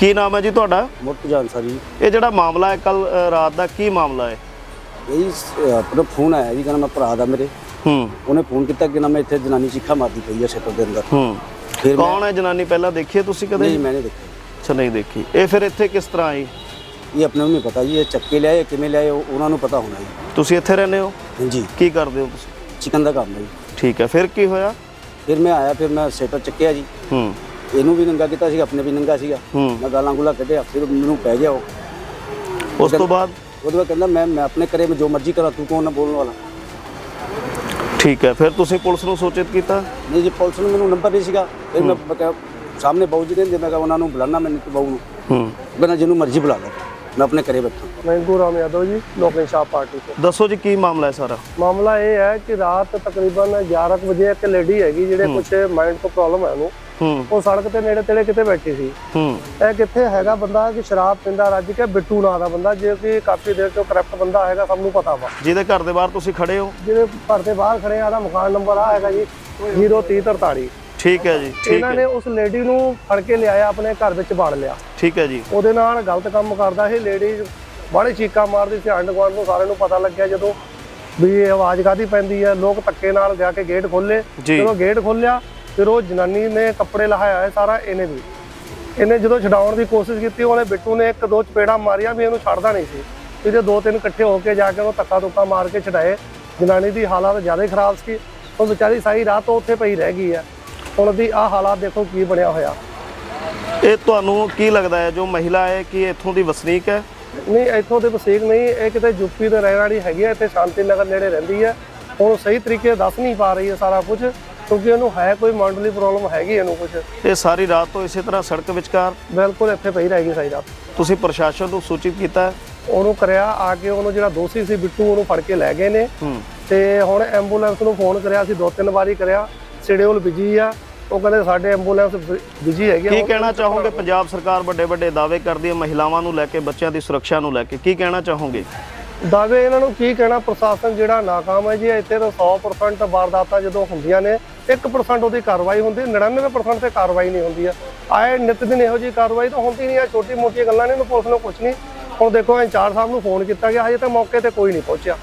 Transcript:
ਕੀ ਨਾਮ ਹੈ ਜੀ ਤੁਹਾਡਾ? ਮੁਰਤਜ਼ਾਨ ਸਰ ਜੀ। ਇਹ ਜਿਹੜਾ ਮਾਮਲਾ ਹੈ ਕੱਲ ਰਾਤ ਦਾ, ਕੀ ਮਾਮਲਾ ਹੈ? ਇਹ ਆਪਣਾ ਫੋਨ ਆਇਆ ਜੀ, ਕਹਿੰਦਾ ਮੈਂ ਭਰਾ ਦਾ ਮੇਰੇ ਉਹਨੇ ਫੋਨ ਕੀਤਾ ਕਿ ਨਾ ਮੈਂ ਇੱਥੇ ਜਨਾਨੀ ਚੀਖਾ ਮਾਰਦੀ ਪਈ ਹੈ ਸ਼ਟਰ ਦੇ ਅੰਦਰ। ਫਿਰ ਕੌਣ ਹੈ ਜਨਾਨੀ, ਪਹਿਲਾਂ ਦੇਖੀ ਹੈ ਤੁਸੀਂ ਕਦੇ? ਨਹੀਂ, ਮੈਂ ਨਹੀਂ ਦੇਖੀ। ਅੱਛਾ, ਨਹੀਂ ਦੇਖੀ। ਇਹ ਫਿਰ ਇੱਥੇ ਕਿਸ ਤਰ੍ਹਾਂ ਆਈ? ਇਹ ਆਪਣੇ ਨੂੰ ਨਹੀਂ ਪਤਾ ਜੀ, ਇਹ ਚੱਕੇ ਲਿਆਏ ਕਿਵੇਂ ਲਿਆਏ ਉਹਨਾਂ ਨੂੰ ਪਤਾ ਹੋਣਾ ਜੀ। ਤੁਸੀਂ ਇੱਥੇ ਰਹਿੰਦੇ ਹੋ? ਹਾਂਜੀ। ਕੀ ਕਰਦੇ ਹੋ ਤੁਸੀਂ? ਚਿਕਨ ਦਾ ਕੰਮ ਹੈ ਜੀ। ਠੀਕ ਹੈ, ਫਿਰ ਕੀ ਹੋਇਆ? ਫਿਰ ਮੈਂ ਆਇਆ, ਫਿਰ ਮੈਂ ਸ਼ਟਰ ਚੱਕਿਆ ਜੀ। ਇਹਨੂੰ ਵੀ ਨੰਗਾ ਕੀਤਾ ਸੀ, ਆਪਣੇ ਵੀ ਨੰਗਾ ਸੀਗਾ। ਮੈਂ ਗਾਲਾਂ ਗੁਲਾ ਕੱਢਿਆ, ਫਿਰ ਮੈਨੂੰ ਪੈ ਗਿਆ ਉਹ। ਉਸ ਤੋਂ ਬਾਅਦ ਉਹਦੇ ਬਾਅਦ ਕਹਿੰਦਾ ਮੈਂ ਆਪਣੇ ਘਰੇ ਮੈਂ ਜੋ ਮਰਜ਼ੀ ਕਰਾਂ, ਤੂੰ ਕੌਣ ਨਾ ਬੋਲਣ ਵਾਲਾ। ਠੀਕ ਹੈ, ਫਿਰ ਤੁਸੀਂ ਪੁਲਿਸ ਨੂੰ ਸੂਚਿਤ ਕੀਤਾ? ਨਹੀਂ ਜੀ, ਪੁਲਿਸ ਨੂੰ ਮੈਨੂੰ ਨੰਬਰ ਨਹੀਂ ਸੀਗਾ। ਫਿਰ ਮੈਂ ਕਿਹਾ ਸਾਹਮਣੇ ਬਾਊ ਜੀ ਰਹਿੰਦੇ, ਮੈਂ ਕਿਹਾ ਉਹਨਾਂ ਨੂੰ ਬੁਲਾਣਾ, ਮੈਨੂੰ ਬਾਊ ਨੂੰ ਕਹਿੰਦਾ ਜਿਹਨੂੰ ਮਰਜ਼ੀ ਬੁਲਾ ਲਓ, ਮੈਂ ਆਪਣੇ ਘਰੇ ਬੈਠਾ। मैं गुराम यादव जी, लोक इंसाफ पार्टी से। ਦੱਸੋ ਜੀ ਕੀ ਮਾਮਲਾ ਹੈ ਸਾਰਾ? मामला ये है कि रात तकरीबन 11 ਵਜੇ ਇੱਕ ਲੇਡੀ ਹੈਗੀ ਜਿਹੜੇ ਕੁਛ ਮਾਈਂਡ ਤੋਂ ਪ੍ਰੋਬਲਮ ਹੈ ਉਹਨੂੰ, ਉਹ ਸੜਕ ਤੇ ਨੇੜੇ ਤੇੜੇ ਕਿਤੇ ਬੈਠੀ ਸੀ। ਇਹ ਕਿੱਥੇ ਹੈਗਾ ਬੰਦਾ ਕਿ ਸ਼ਰਾਬ ਪੀਂਦਾ ਰੱਜ ਕੇ, ਬਿੱਟੂ ਨਾਂ ਦਾ ਬੰਦਾ, ਜੋ ਕਿ ਕਾਫੀ ਦੇਰ ਤੋਂ ਕਰਪਟ ਬੰਦਾ ਹੈਗਾ, ਸਭ ਨੂੰ ਪਤਾ ਵਾ। ਜਿਹਦੇ ਘਰ ਦੇ ਬਾਹਰ ਤੁਸੀਂ ਖੜੇ ਹੋ? ਜਿਹਦੇ ਘਰ ਦੇ ਬਾਹਰ ਖੜੇ ਆ, ਦਾ ਮਕਾਨ ਨੰਬਰ ਆ ਹੈਗਾ ਜੀ 0343। ਠੀਕ ਹੈ ਜੀ। ਇਹਨਾਂ ਨੇ ਉਸ ਲੇਡੀ ਨੂੰ ਫੜ ਕੇ ਲਿਆਇਆ, ਆਪਣੇ ਘਰ ਵਿੱਚ ਬਾੜ ਲਿਆ। ਠੀਕ ਹੈ ਜੀ। ਉਹਦੇ ਨਾਲ ਗਲਤ ਕੰਮ ਕਰਦਾ ਇਹ ਲੇਡੀ, ਬੜੀ ਚੀਕਾਂ ਮਾਰਦੀ ਸੀ। ਆਂਢ ਗੁਆਂਢ ਨੂੰ ਸਾਰਿਆਂ ਨੂੰ ਪਤਾ ਲੱਗਿਆ ਜਦੋਂ ਵੀ ਇਹ ਆਵਾਜ਼ ਕਾਹਦੀ ਪੈਂਦੀ ਹੈ। ਲੋਕ ਧੱਕੇ ਨਾਲ ਜਾ ਕੇ ਗੇਟ ਖੋਲੇ। ਜਦੋਂ ਗੇਟ ਖੋਲਿਆ, ਫਿਰ ਉਹ ਜਨਾਨੀ ਨੇ ਕੱਪੜੇ ਲਹਾਇਆ ਹੈ ਸਾਰਾ। ਇਹਨੇ ਜਦੋਂ ਛਡਾਉਣ ਦੀ ਕੋਸ਼ਿਸ਼ ਕੀਤੀ, ਉਹਨੇ ਬਿੱਟੂ ਨੇ ਇੱਕ ਦੋ ਚਪੇੜਾਂ ਮਾਰੀਆਂ ਵੀ ਇਹਨੂੰ ਛੱਡਦਾ ਨਹੀਂ ਸੀ। ਇਹਦੇ ਦੋ ਤਿੰਨ ਇਕੱਠੇ ਹੋ ਕੇ ਜਾ ਕੇ ਉਹਨੂੰ ਧੱਕਾ ਧੁੱਕਾ ਮਾਰ ਕੇ ਛਡਾਏ। ਜਨਾਨੀ ਦੀ ਹਾਲਤ ਜ਼ਿਆਦਾ ਖਰਾਬ ਸੀ, ਉਹ ਵਿਚਾਰੀ ਸਾਰੀ ਰਾਤ ਉੱਥੇ ਪਈ ਰਹਿ ਗਈ ਹੈ। ਹੁਣ ਦੀ ਆਹ ਹਾਲਾਤ ਦੇਖੋ ਕੀ ਬਣਿਆ ਹੋਇਆ। ਇਹ ਤੁਹਾਨੂੰ ਕੀ ਲੱਗਦਾ ਹੈ ਜੋ ਮਹਿਲਾ ਹੈ ਕਿ ਇੱਥੋਂ ਦੀ ਵਸਨੀਕ ਹੈ? ਨਹੀਂ, ਇੱਥੋਂ ਦੇ ਵਸਨੀਕ ਨਹੀਂ, ਇਹ ਕਿਤੇ ਯੂਪੀ ਦੇ ਰਹਿਣ ਵਾਲੀ ਹੈਗੀ ਹੈ। ਇੱਥੇ ਸ਼ਾਂਤੀ ਨਗਰ ਨੇੜੇ ਰਹਿੰਦੀ ਹੈ। ਹੁਣ ਸਹੀ ਤਰੀਕੇ ਦੱਸ ਨਹੀਂ ਪਾ ਰਹੀ ਹੈ ਸਾਰਾ ਕੁਝ, ਕਿਉਂਕਿ ਇਹਨੂੰ ਹੈ ਕੋਈ ਮੈਂਟਲੀ ਪ੍ਰੋਬਲਮ ਹੈਗੀ ਇਹਨੂੰ ਕੁਝ। ਇਹ ਸਾਰੀ ਰਾਤ ਤੋਂ ਇਸੇ ਤਰ੍ਹਾਂ ਸੜਕ ਵਿਚਕਾਰ ਬਿਲਕੁਲ ਇੱਥੇ ਪਈ ਰਹੇਗੀ ਸਾਰੀ ਰਾਤ। ਤੁਸੀਂ ਪ੍ਰਸ਼ਾਸਨ ਨੂੰ ਸੂਚਿਤ ਕੀਤਾ? ਉਹਨੂੰ ਕਰਿਆ ਆ ਕੇ, ਉਹਨੂੰ ਜਿਹੜਾ ਦੋਸ਼ੀ ਸੀ ਬਿੱਟੂ, ਉਹਨੂੰ ਫੜ ਕੇ ਲੈ ਗਏ ਨੇ। ਤੇ ਹੁਣ ਐਂਬੂਲੈਂਸ ਨੂੰ ਫੋਨ ਕਰਿਆ ਸੀ, 2-3 ਵਾਰੀ ਕਰਿਆ, ਸ਼ਡਿਊਲ ਬਿਜੀ ਆ। ਉਹ ਕਹਿੰਦੇ ਸਾਡੇ ਐਂਬੂਲੈਂਸ ਬਿਜੀ ਹੈਗੀ। ਕੀ ਕਹਿਣਾ ਚਾਹੋਗੇ? ਪੰਜਾਬ ਸਰਕਾਰ ਵੱਡੇ ਵੱਡੇ ਦਾਅਵੇ ਕਰਦੀ ਹੈ ਮਹਿਲਾਵਾਂ ਨੂੰ ਲੈ ਕੇ, ਬੱਚਿਆਂ ਦੀ ਸੁਰੱਖਿਆ ਨੂੰ ਲੈ ਕੇ, ਕੀ ਕਹਿਣਾ ਚਾਹੋਗੇ? ਦਾਅਵੇ ਇਹਨਾਂ ਨੂੰ ਕੀ ਕਹਿਣਾ, ਪ੍ਰਸ਼ਾਸਨ ਜਿਹੜਾ ਨਾਕਾਮ ਹੈ ਜੀ। ਇੱਥੇ ਤਾਂ 100% ਵਾਰਦਾਤਾਂ ਜਦੋਂ ਹੁੰਦੀਆਂ ਨੇ, 1% ਉਹਦੀ ਕਾਰਵਾਈ ਹੁੰਦੀ, 99% ਤੇ ਕਾਰਵਾਈ ਨਹੀਂ ਹੁੰਦੀ ਹੈ। ਆਏ ਨਿਤ ਦਿਨ ਇਹੋ ਜਿਹੀ ਕਾਰਵਾਈ ਤਾਂ ਹੁੰਦੀ ਨਹੀਂ ਹੈ। ਛੋਟੀ ਮੋਟੀਆਂ ਗੱਲਾਂ ਨੇ, ਇਹਨੂੰ ਪੁਲਿਸ ਨੂੰ ਕੁਛ ਨਹੀਂ। ਹੁਣ ਦੇਖੋ ਇੰਚਾਰਜ ਸਾਹਿਬ ਨੂੰ ਫੋਨ ਕੀਤਾ ਗਿਆ, ਹਜੇ ਤੱਕ ਮੌਕੇ ਤੇ ਕੋਈ ਨਹੀਂ ਪਹੁੰਚਿਆ।